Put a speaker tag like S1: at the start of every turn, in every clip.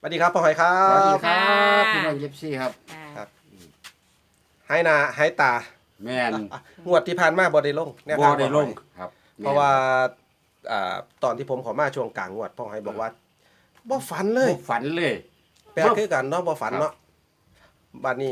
S1: วัสดีครับพ่อหอยครั
S2: สวัสดี
S1: บ
S2: ครับพี่น้องเย็บซี่ครับ
S1: ครับให้นาให้ตา
S2: แม่น
S1: งวดที่ผ่านมาบ่ได้ลงแนว
S2: บ่
S1: ทาง
S2: ได้
S1: พ่อห
S2: ล
S1: อย
S2: งครับ
S1: เพราะว่าตอนที่ผมขอมาช่วงกลางงวดพ่อหอยบอกว่าบ่ฝันเลย
S2: บ่ฝันเลย
S1: แปลกคือกันเนาะบ่ฝันเนาะบัดนี้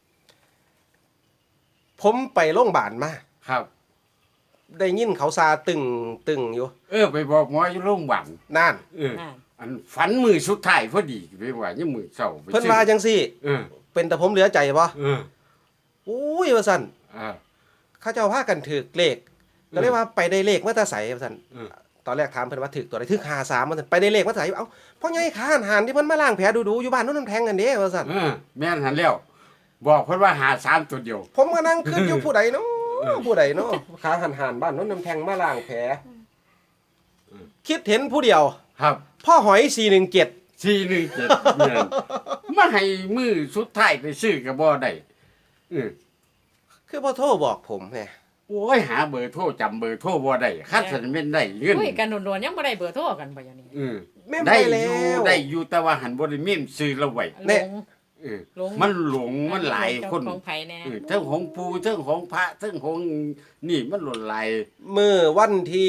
S1: ผมไปโรงพยาบาลมา
S2: ครับ
S1: ได้ยินเขาซาตึงอยู่
S2: ไปบอกหมออยู่โรงพยาบาล
S1: นั่น
S2: อันฝันมือสุดท้ายพอดีไปว่ายังมือเช้าไป
S1: เพิ่นว่าจังซี่
S2: เออ
S1: เป็นแต่ผมเหลือใจบ่
S2: เออ
S1: อุ้ยว่าซั่น
S2: อ่า
S1: เขาเจ้าพากันถูกเลขก็เลยว่าไปได้เลขมาแต่ไสว่าซั่น
S2: เออ
S1: ตอนแรกถามเพิ่นว่าถึกตัวใดถึก53ว่าซั่นไปได้เลขมาแต่ไสเอ้าพ่อใหญ่ข้าหันที่เพิ่นมาล้างแผลดูๆอยู่บ้านโนู้นน้ำแทงกันเด้ว่าซั่น
S2: แม่นหันแล้ว บอกเพิ่นว่าหา3ตัวเดียว
S1: ผมก็นั่งคิดอยู่ผู้ใดเนาะผู้ใดเนาะขาหันบ้านโนู้นน้ำแทงมาล้างแผลคิดเห็นผู้เดียว
S2: ครับ
S1: พ่อหอย417
S2: 417แม่นมาให้มือสุดท้ายไปซื้อก็บ่ได้เออ
S1: คือพ่อโทรบอกผมแหม
S2: โอ้ยหาเบอร์โทรจำเบอร์โทรบ่ได้คัดสันแม่นได้เงิน
S3: คุยกันโดนๆยังบ่ได้เบอร์โทรกันบ่อย่างนี้
S1: แม่น
S2: ได้
S1: ไป
S2: อ
S1: แล้
S2: ยู่
S1: ว
S2: ได้อยู่แต่ว่าหันบ่ได้เมมซื้อละไว้
S1: แน่
S3: หลง
S2: เออ
S3: หลง
S2: มันหลงมันหลายคน
S3: ของไผแน่
S2: เทั้งของปู่เทั้งของพระเทั้งของนี่มันหล่นหลาย
S1: มื้อวันที่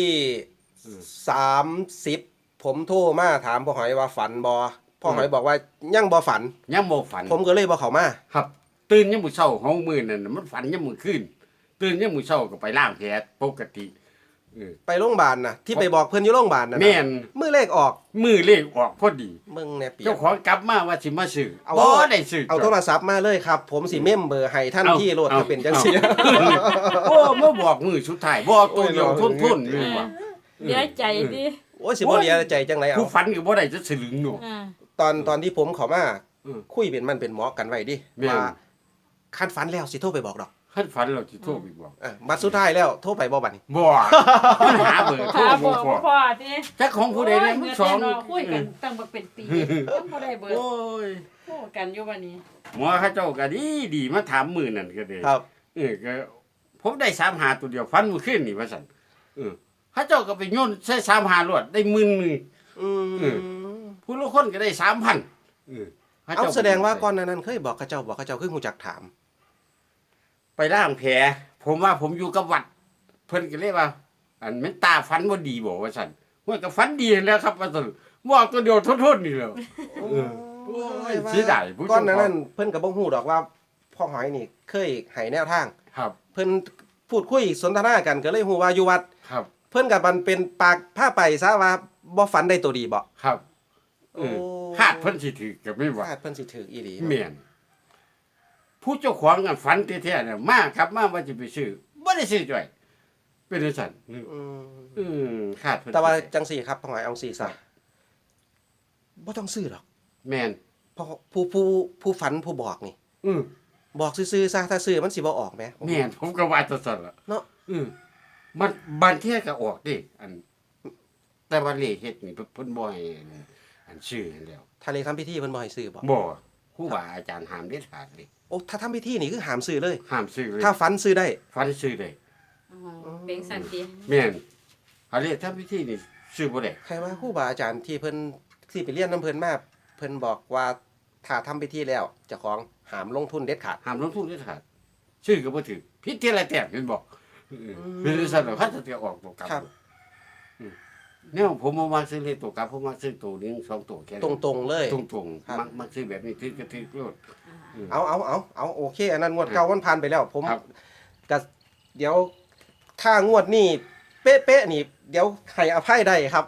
S1: 30ผมโทรมาถามพ่อหอยว่าฝันบ่พ่อหอยบอกว่ายังบ่ฝัน
S2: ยังบ่ฝัน
S1: ผมก็เลยบ่เข้ามา
S2: ครับ ตื่นยามมื้อเช้าเฮามื้อนั้นน่ะมันฝันยามมื้อคืนตื่นยามมื้อเช้าก็ไปล้างแผลปกติเออ
S1: ไปโรงพยาบาลน่ะที่ไปบอกเพิ่นอยู่โรงพยาบาลน่ะนะ
S2: แม่น
S1: มื้อเลขออก
S2: มื้อเลขออกพอดี
S1: มึงแน่เปีย
S2: เจ้าของกลับมาว่าสิมาซื้อ
S1: เอา
S2: บ่ได้ซื้อ
S1: เอาโทรศัพท์มาเลยครับ ผมสิเมมเบอร์ให้ท่านที่โลดถ้าเป็นจังซี่
S2: โอ้มาบอกมื้อสุดท้ายบ่ตัวเดียวทุนๆนี่ว่า
S3: เดี๋ยวใจดิ
S1: โอ้ยสิบ่เหลียใจจังไดเอา
S2: ผู้ฝันก็บ่ได้จะสลึงหนู
S3: อ่า
S1: ตอนที่ผมเข้ามา
S2: อืม
S1: คุยเป็นมันเป็นหมอกันไว้ดิ
S2: แม่น
S1: ว่าคันฝันแล้วสิโทรไปบอกดอก
S2: คันฝันเราสิโทรไปบอก
S1: บัดสุดท้ายแล้วโทรไปบ่บัดนี้
S2: บ่มันหาเบอร์โทร
S3: ถ้า
S2: บ่
S3: บ่
S2: พอ
S3: พอติ
S2: จักของผู้ใดเนี่ยมันสอง
S3: โยเงินแน่นนคุยกันตั้งบ่เป็นปียังบ่ได้เบอร์
S2: โอ้ย
S3: โทรกันอยู่บัดนี้
S2: หมอเขาเจ้าก็ดีมาถามมื้อนั่นก็ได้
S1: ครับ
S2: ก็ผมได้3หาตัวเดียวฟันมื้อคืนนี่ว่าซั่นเขาเจ้าก็ไปโยนใส่3หารวดได้10,000นึง
S1: อืม
S2: ผู้ละคนก็ได้ 3,000เขา
S1: เอา
S2: จ้
S1: แสดงว่าก่อนหน้านั้นเคยบอกเขาเจ้าคือฮู้จักถาม
S2: ไปล้างแผลผมว่าผมอยู่กับวัด เพิ่นก็เลยว่า อันแม่นตาฟันบ่ดีบ่ว่าซั่นว่าก็ฟันดีแล้วครับว่าซั่นบอกตัวเดียวโทษๆนี่แหล้ว โอ้ยเสียดายผู้ชม
S1: ก่อนหน้านั้นเพิ่นก็บ่ฮู้ดอกว่าพ่อหอยนี่เคยให้แนวทาง
S2: ครับ
S1: เพิ่นพูดคุยสนทนากันก็เลยฮู้ว่าอยู่วัด
S2: ครับ
S1: เพิ่นกับมันเป็นปากผ้าไปซะว่าบ่ฝันได้ตัวดีบ่
S2: ครับ
S1: โอ้
S2: คาดเพิ่นสิถือก็ไม่ว่า
S1: คาดเพิ่นสิถืออีหลี
S2: แม่นผู้เจ้าของอันฝันแท้ๆน่ะมาครับมาว่าสิไปซื้อบ่ได้ซื้อจ้อยเป็นจังซั่น
S1: อืม
S2: คาดเพิ่น
S1: แต่ว่าจังสี่ครับพ่อหอยเอาสี่ซะบ่ต้องซื้อหรอก
S2: แม่น
S1: เพราะผู้ฝันผู้บอกนี่
S2: อือ
S1: บอกซื่อๆซะถ้าซื้อมันสิบ่ออกแหม
S2: แม่นผมก็ว่าจังซั่นล่ะ
S1: เนาะ
S2: มันบางเที่ยก็ออกดิอัน แต่ว่าเลขเฮ็ดนี่เพิ่นบ่ให้อันชื่อให้แล้ว
S1: ถ้าเลขทำพิธีเพิ่นบ่ให้ซื้อบ่
S2: บ่ครูบาอาจารย์ห้ามเด็ดขาดเลย
S1: โอ้ถ้าทำพิธีนี่คือห้ามซื้อเลย
S2: ห้ามซื้อเลย
S1: ถ้าฝันซื้อได้
S2: ฟันซื้อได้
S3: อ๋อเป็นสันติ
S2: แม่นเอาเลขทำพิธีนี่ซื้อบ่ได้
S1: ใครว่าครูบาอาจารย์ที่เพิ่นที่ไปเรียนน้ำเพิ่นมาเพิ่นบอกว่าถ้าทำพิธีแล้วเจ้าของห้ามลงทุนเด็ดขาด
S2: ห้ามลงทุนเด็ดขาดซื้อก็บ่ถือผิดที่ละแต้มเห็นบ่เป็นซั่นล่ะเขาจะออกตัวกลับ
S1: ครับ
S2: เนี่ยผมบ่มาซื้อเลขตัวกลับผมมาซื้อตัวหนึง2ตัวแค่นั้น
S1: ตรงๆเลย
S2: ตรง
S1: ครับ
S2: ๆมักซื้อแบบนี้ถือก็ถือโลด
S1: เอาโอเคอันนั้นงวดเก่ามันผ่านไปแล้ว ผม
S2: ครับ
S1: ก็เดี๋ยวถ้างวดนี้เป๊ะๆนี่ เดี๋ยวให้อภัยได้ครับ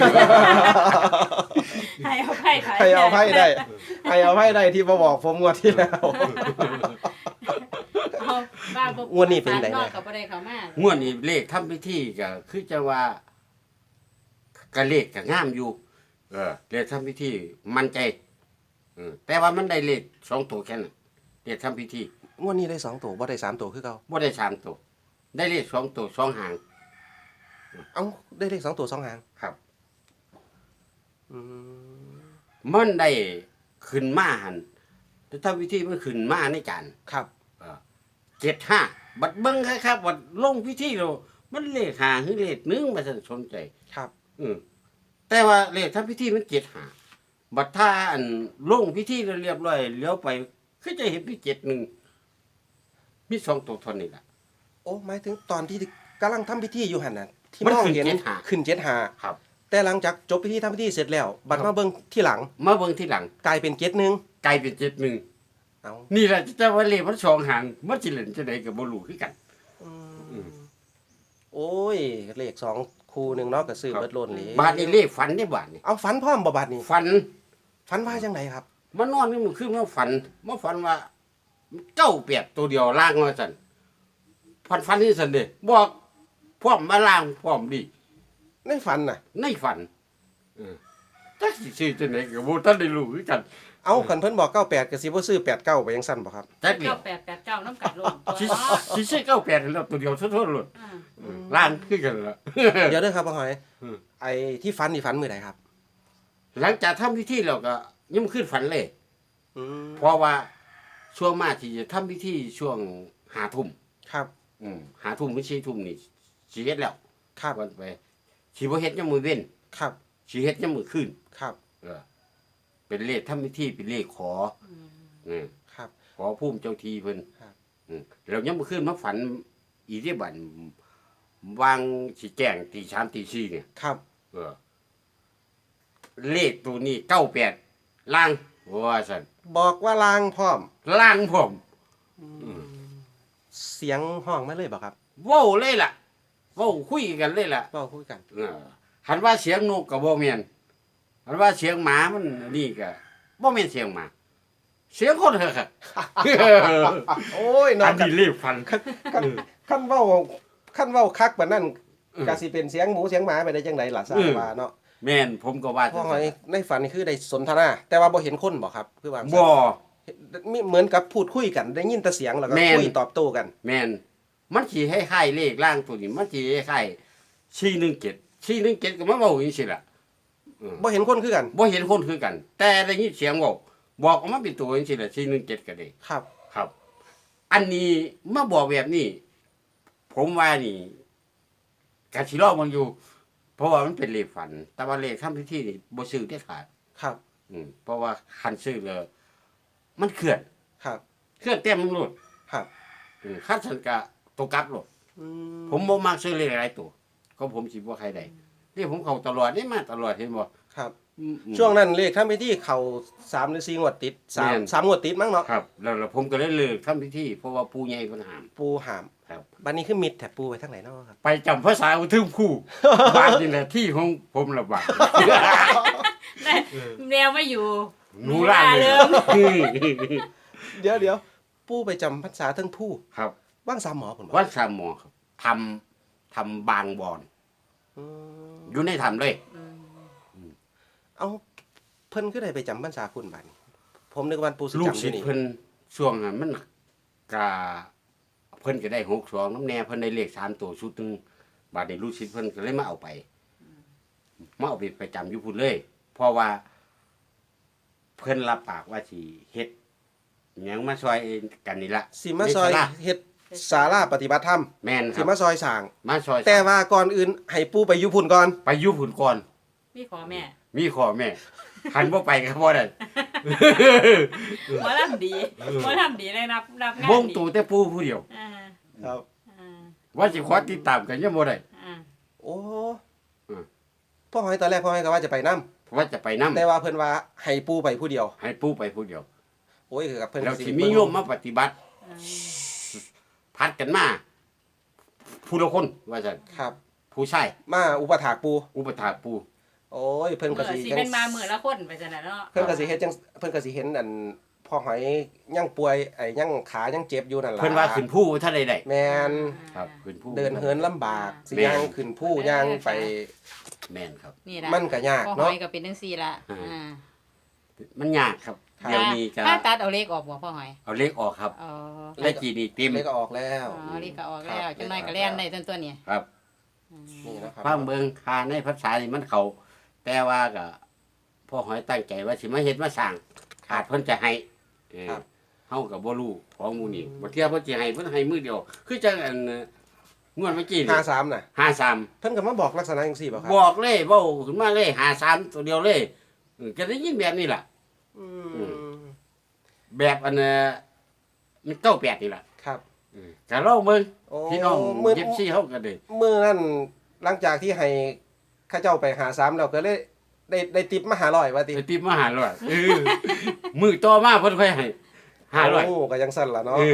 S3: ให้เอาไผ่ไทย
S1: ให้อภัยได้ให้อภัยได้ที่มาบอกผมงวดที่แล้ว
S3: เอาบ้าบ่
S1: งวดนี้เป็นไง
S3: นอกก็บ่ได้เข้ามาง
S2: วดนี้เลขทำพิธีก็คือจะว่าก็เลขก็งามอยู่ เลขทำพิธีมั่นใจแต่ว่ามันได้เลข2ตัวแค่นั้นเลขทำพิธี
S1: งวดนี้ได้2ตัวบ่ได้3ตัวคือเก่า
S2: บ่ได้3ตัวได้เลข2ตัว2หาง
S1: เอ้าได้เลข2ตัว2หาง
S2: ครับ
S1: อืม
S2: มันได้ขึ้นมาหันแต่ทำพิธีมันขึ้นมาในจาน
S1: ครับ
S2: 75บัดเบิ่งครับบัดลงพิธีแล้วมันเลข5หรือเลข1มาสนใจ
S1: ครับ
S2: แต่ว่าเลขทำพิธีมัน75 บัดถ้าอันลงพิธีเรียบร้อยเลี้ยวไปคือจะเห็นมี71มี2ตัวเท่านี้ล่ะ
S1: โอ้หมายถึงตอนที่กำลังทำพิธีอยู่หั่นน่ะที่
S2: มัน
S1: มอง
S2: ขึ้น
S1: เห็น
S2: 75
S1: ขึ้น75
S2: ครับ
S1: แต่หลังจากจบพิธีทำพิธีเสร็จแล้วบัดมาเบิ่งที่หลัง
S2: มาเบิ่งทีหลัง
S1: กลายเป็น71
S2: กลายเป็น71
S1: เอา
S2: นี่แหละจะว่าเลขมันสองหางมันสิเล่นจังได๋ก็บ่รู้คือกัน
S1: โอ้ยเลข2คู่หนึงเนาะก็ซื้อ
S2: ครับ
S1: เบิดโลนเลย
S2: บาดนี้เลขฝันได้บาดนี้
S1: เอาฝันพร้อมบ่บาดนี้
S2: ฝัน
S1: ฝันว่าจังไดครับ
S2: มานอนนี่มันคือมาฝันว่าเจ้าเปียกตัวเดียวล่างว่าซั่นฝันนี่ซั่นเด้บอกพร้อมมาล่างพร้อมดี
S1: ในฝันน่ะ
S2: ในฝันจักสิซื้อจังไดก็บ่ทันได้รู้คือกัน
S1: เอาคันเพิ่นบอก98ก็สิบ่ซื้อ89ไปจังซั่นบ่ครับ
S2: จักเดียว
S3: 9889น้ำกัดลงตัว
S2: สิ
S3: เนาะ
S2: สิซื้อ98แล้วตัวเดียวโทษๆโลด
S3: อ่า
S2: ล่างคือกันล่ะ
S1: เดี๋ยวเด้อครับพ่อหอย
S2: อืม
S1: ไอ้ที่ฝันนี่ฝันมื้อใดครับ
S2: หลังจากทำพิธีแล้วก็ยังบ่ขึ้นฝันเลย
S1: อืม
S2: เพราะว่าช่วงมาที่จะทำพิธีช่วง5 ทุ่ม
S1: ครับ
S2: 5 ทุ่มหรือ4 ทุ่มนี่สิเฮ็ดแล้ว
S1: ครับ
S2: วันไปสิบ่เฮ็ดยามมื้อเว้น
S1: ครับ
S2: สิเฮ็ดยามมื้อคืน
S1: ครับ
S2: เป็นเลขทำพิธีเป็นเลขขอเออ
S1: ครับ
S2: ขอภูมิเจ้าที่เพิ่น
S1: ครับ
S2: แล้วยามมื้อคืนมาฝันอีที่บัดวางสิแจ้งตี3ตี4เนี่ย
S1: ครับ
S2: เออเลขตัวนี้98ล่างว่าซั่น
S1: บอกว่าลางพร้อม
S2: ล่างผม
S1: เสียงห้องมาเลยบ่ครับ
S2: เว้าเลยล่ะเว้าคุยกันเลยล่ะ
S1: เว้าคุยกัน
S2: หันว่าเสียงนกก็บ่แม่นหันว่าเสียงหมามันนี่ก็บ่แม่นเสียงหมา เสียงคนเหรอครับ
S1: โอ้ยนอ
S2: อั
S1: น
S2: น
S1: กัน
S2: นี้เรียกฟัน
S1: คันเว้าคักบัดนั้นก็สิเป็นเสียงหมูเสียงหมาไปได้จังไดล่ะทราบว่าเนาะ
S2: แม่นผมก็ว่า
S1: พ่อหอยในฝันนี่คือได้สนทนา แต่ว่าบ่เห็นคนบ่ครับคือว่า
S2: บ่
S1: มีเหมือนกับพูดคุยกันได้ยินแต่เสียงแล้วก็
S2: แม่น
S1: คุยตอบโต้กัน
S2: แม่นมันสิให้คล้ายเลขล่างตัวนี้มันสิให้คล้าย417ก็มาเว้าจังซี่ล่ะ
S1: บ่เห็นคนคือกัน
S2: บ่เห็นคนคือกัน แต่ได้ยินเสียงเว้าบอกออกมาเป็นตัวจังซี่ล่ะ417ก็ได้
S1: ครับ
S2: ครับ อันนี้มาบอกแบบนี้ ผมว่านี่กะสิรอมันอยู่ เพราะว่ามันเป็นเลขฝัน แต่ว่าเลขทำพิธีนี่บ่ซื้อเด็ดขาด
S1: ครับ
S2: เพราะว่าคันซื้อแล้วมันเคลื่อน
S1: ครับ
S2: เคลื่อนเต็มมันโลด
S1: ครับ
S2: คันสันกะตัวกลับโลด
S1: อื
S2: ผมบ่มักซื้อเลขหลายตัวก็ผมสิบ่ใครได้นี่ผมเข้าตลอดนี่มาตลอดเห็นบ่
S1: ครับ
S2: อืม
S1: ช่วงนั้นเลขทำพิธีเข้า3หรือ4งวดติด
S2: แม่น
S1: 3 3งวดติดมั้งเนาะ
S2: ครับ แล้วผมก็เลยเลิกทำพิธีเพราะว่าปู่ใหญ่เพิ่นห้าม
S1: ปูหาม
S2: ครับ
S1: บัดนี้คือมิดแถบปูไปทางไหนเนาะครับ
S2: ไปจำภาษาอุทึมคู่ บ้านนี่แหละที่ของผมละบาด
S3: แนวไม่อยู่
S2: หนูล่าเลย
S1: เดี๋ยวปูไปจำพรรษาเทั้งผู้
S2: ครับ
S1: ว่างสามหมอผม
S2: วัดสามหมอครับทำบางบอนอยู่ในถ้ำเลย
S1: เอาเพิ่นคือได้ไปจำพรรษาคุณบัดนี้ผมนึกว่าปูสิ
S2: ลูก
S1: จำอ
S2: ศิ
S1: ยู่
S2: ษย์
S1: นี่
S2: เพิ่นช่วงนั้นมันกะเพิ่นก็ได้62น้ำแน่เพิ่นได้เลข3ตัวชุดหนึงบาดนี้ลูกศิษย์เพิ่นก็เลยมาเอาไปประจำอยู่พุ่นเลย เพราะว่า เพิ่นรับปากว่าสิเฮ็ดหยังมาช่วยกันนี่ละ
S1: สิมาซอย
S2: ในศาลา
S1: เฮ็ดศาลาปฏิบัติธรรม
S2: แม่นค
S1: สิ
S2: รับ
S1: มาซอยสร้าง
S2: มาช่วย
S1: แต่ว่าก่อนอื่นให้ปูไปอยู่พุ่นก่อน
S2: ไปอยู่พุ่นก่อน
S3: มีขอแม่
S2: มีขอแม่หันบ่ไปก็บ่ได้
S3: หมอลำดีหมอลำดีเลยรับงาน
S2: วง
S3: ดี
S2: ตู่แต่ปู่ผู้เดียว
S3: อ่า
S1: ครับ
S3: อ่า
S2: ว่าสิขอติดตามกันยังบ่ได้
S3: อ่า
S1: โอ้
S2: อืม
S1: พ่อหอยตอนแรกพ่อหอยก็ว่าจะไปนํ
S2: ว่าจะไปนำ
S1: แต่ว่าเพิ่นว่าให้ปูไปผู้เดียว
S2: ให้ปู่ไปผู้เดียว
S1: โอ้ยคือกับเพิ่น
S2: แล้ว
S1: ก็
S2: สิมีโยมมาปฏิบัติ
S3: อ่า
S2: พัดกันมาผู้ละคนว่าซั่น
S1: ครับ
S2: ผู้ชาย
S1: มาอุปถากปู
S2: อุปถากปู่
S1: โอ้ยเพิ่นก็
S3: เมื่อ
S1: สิ
S3: สิ
S1: จั
S3: เป็น
S1: ง
S3: มามื้อละคนไปจังได๋เนาะ
S1: เพิ่นก็สิเฮ็ดจังเพิ่นก็สิเห็นอันพ่อหอยยังป่วยไอ้ยังขายังเจ็บอยู่นั่นล่ะ
S2: เพิ่นว่าขึ้นผู้ถ้าใดได้
S1: แม่น
S2: ครับขึ้นผู้
S1: เดินเหินลำบากสิ
S2: แม่น
S1: ย่างขึ้นผู้ย่างไป
S2: แม่นครับ
S3: นี่ล่ะ
S1: มันก็ยาก
S3: พ่อหอ
S1: เนาะ
S3: ยก็เป็นจังซี่ล่ะ
S2: อ่า
S3: อ่า
S2: มันยากครับ
S1: ครับ
S2: เดี๋ยวนี้ก็
S3: ถ้าตัดเอาเลขออกบ่พ่อหอย
S2: เอาเลขออกครับ
S3: อ๋อ
S2: เลขกี่นี่เต็ม
S1: เลยก็ออกแล้ว
S3: อ๋อเลขก็ออกแล้ว
S1: ครับ
S3: จังได๋ก็แล่นได้ตัวนี้
S2: ครับ
S1: นี่นะครับ
S2: ฟังเบิ่งคาในภาษานี่มันเข้าแต่ว่าก็พ่อหอยตั้งใจว่าสิมาเฮ็ดมาสร้างอาจเพิ่นจะให้เออเฮาก็บ่รู้ของหมู่นี้บ่เที่ยเพิ่นสิให้เพิ่นให้มื้อเดียว คือจังอันงวดเมื่อกี้นี่
S1: 53น่ะ
S2: 53
S1: เพิ่นก็มาบอกลักษณะจังซี่บ่ครับ
S2: บอกเลยเว้าขึ้นมาเลย53ตัวเดียวเลยก็ได้ยินแบบนี้ล่ะ
S1: อืม
S2: แบบอันมันเก้าแปดนี่ล่ะ
S1: ครับ
S2: ก็ลองเบิ่ง
S1: โอ้
S2: พี่น้อง
S1: มื้อ
S2: เย็บซี่เฮาก็ได้
S1: มื้อนั้นหลังจากที่ให้ข้าเจ้าไปหาซ้ำแล้วก็เลยได้ติปมา500ว่าติ
S2: ไปติบมา500มื้อต่อมาเพิ่นค่อยให้500
S1: โอ้ก็ยังสั่นล่ะเนาะ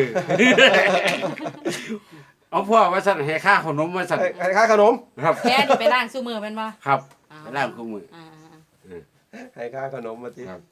S2: เอาพ่อว่าสั่นให้ค่าขนมว่าสั่น
S1: ให้ค่าขนม
S2: ครับ
S3: แค่นี่ไปล้างสู้มือแม่นบ่
S2: ครับ
S3: อ๋อ
S2: ไปล้างคู่มือ
S3: อ่า
S1: ให้ค่าขนมมาติ
S2: ครับ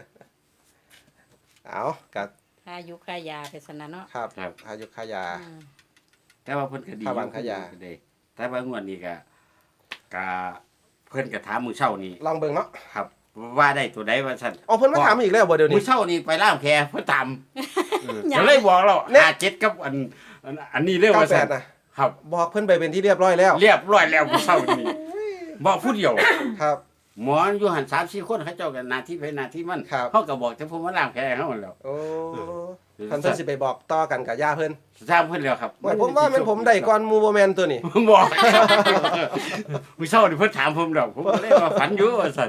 S1: เอากัด
S3: ค่ายุค่ายาไปสนะเนาะ
S1: ครับ
S2: ครับ
S1: ค่ายุค่ายา
S3: อืม
S2: แต่ว่าเพิ่นก็ดี
S1: ค่าบ้านค่ายา
S2: ก็ได้แต่ว่างวดนี้ก็เพิ่นก็ถามมื้อเช้านี้
S1: ลองเบิ่งเนาะ
S2: ครับ ว่าได้ตัวใดว่าซั่น
S1: อ๋อเพิ่นมาถามอีกแล้วบ่เดี๋ยว
S2: มื้
S1: นี้
S2: อเช้านี้ไปล้างแผลเพิ่นถาม
S3: ยัง
S2: ก็เลยบอกเรา
S1: เนี่ย
S2: 57กับอันนี้เด้อว่าซั่น
S1: 98น่ะ
S2: ครับ
S1: บอกเพิ่นไปเป็นที่เรียบร้อยแล้ว
S2: เรียบร้อยแล้วมื้อเช้านี้บอกผู้เดียว
S1: ครับ
S2: หมออยู่หัน3-4คนเขาเจ้ากันหน้าที่ไปหน้าที่มัน
S1: ครับ
S2: เฮาก็บอกแต่ผมมาล้างแผลให้เฮาแล้ว
S1: โอ้คันเพิ่นสิไปบอกต่อกันกับย่าเพิ่น
S2: ทราบเพิ่นแล้วครับ
S1: ว่าผมว่ามันผมได้ก่อนหมู่บ่แม่นตัวนี้
S2: ผมบอก มื้อเช้านี่เพิ่นถามผมดอกผมก็เลยว่าฝันอยู่ว่าซั่น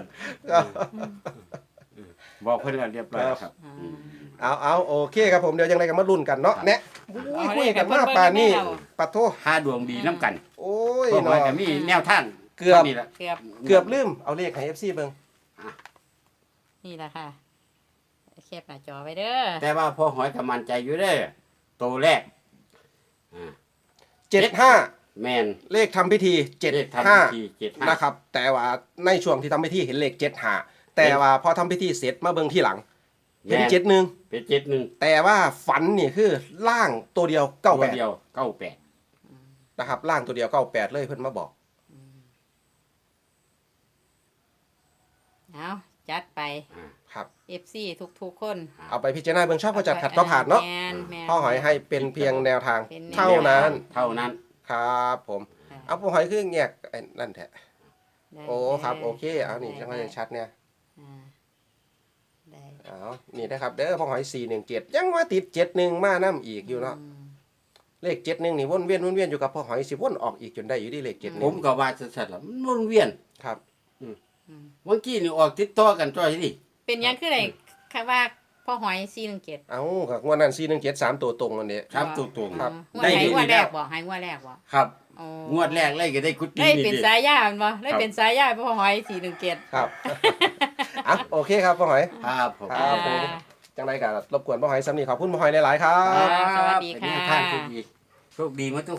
S2: บอกเพิ่นแล้วเรียบร้อยแล้วครับ
S3: อ่า
S1: เอาโอเคครับผมเดี๋ยวยังไงก็มาลุ้นกันเนาะแนะอุ้ยคุยกันมาป่านนี้ปัดโท
S2: ค่าดวงดีน้ำกัน
S1: โอ้ย
S2: พวกมัน
S1: เนาะ
S2: ก็มีแนวทาง
S1: เกือบ
S2: นี่แหละ
S3: เกือบ
S1: เกือบลืมเอาเลขให้ FC เบิ่ง
S3: นี่แหละค่ะแคบหน้าจอไว้เด้อ
S2: แต่ว่าพอหอยก็มั่นใจอยู่เด้อตัวแรก
S1: 75
S2: แม่น
S1: เลขทำพิธี
S2: เลขทำพิธี
S1: 75นะครับ แต่ว่าในช่วงที่ทำพิธีเห็นเลข75แต่ว่าพอทำพิธีเสร็จมาเบิ่งที่หลัง เห็น
S2: แม่
S1: 71
S2: เป็น71
S1: แต่ว่าฝันนี่คือล่างตัวเดียว
S2: ตัวเดี
S1: 98
S2: ยว98
S1: นะครับล่างตัวเดียว98เลยเพิ่นมาบอก
S3: เอาจัดไป
S1: ครับ
S3: FC ทุกๆคน
S1: เอาไปพิจารณาเบิ่งชอบก็จัดขัดก็ผ่านเนาะ
S3: แม่แม่
S1: พ่อหอยให้เป็นเพียงแนวทาง
S3: เป็นแนว
S1: เท่านั้น
S2: เท่านั้น
S1: ครับผม
S3: ค่ะ
S1: เอาพ่อหอยคือแยกไอ้นั่นแท้
S3: ได้
S1: โอ้ครับ
S3: ได้
S1: โอเคเอานี่จังหวะชัดเนี่ย
S3: อ่าได้
S1: เอานี่นะครับเด้อพ่อหอย417ยังว่าติด71มานํอีกอยู่เนาะ
S3: ม
S1: เลข71นี่วนเวียนอยู่กับพ่อหอยสิวนออกอีกจนได้อยู่ที่เลข
S2: ผมก็ว่าสัตว์ละมันวนเวียน
S1: 71ครับ
S3: อืม
S2: เมื่อกี้นี่ออกติดต่อกันจ้อยดิ
S3: เป็นหยังคือไดค่ะว่าพ่อหอย417
S1: เอากับงวดนั้น417 3ตัวตรงอันนี้
S2: ครับตัวตรง
S1: ครับ
S3: งวด
S2: ได้
S3: ไหน
S2: อยู่
S3: งวด
S2: นี่
S3: แร
S2: แล้ว
S3: กบ่ให้งวดแรกบ่
S2: ครับ
S3: อ๋อ
S2: งวดแรกเลยก็ได้กุฏิ
S3: ได้เป็น
S2: นี่ดิ
S3: สายยาแม่นบ่ได้เป็นสายยาพ่อหอย417
S1: ครับ อ่ะโอเคครับพ่อหอย
S2: ครับผม
S1: ครับผม จังไรก็รบกวนพ่อหอยซ้ำนี่ขอบคุณพ่อหอยหลายๆครั
S3: อ่า
S1: บ
S3: สวัสดีค่ะ
S2: เป็นแนวทางที่ดีโชคดีมาทุก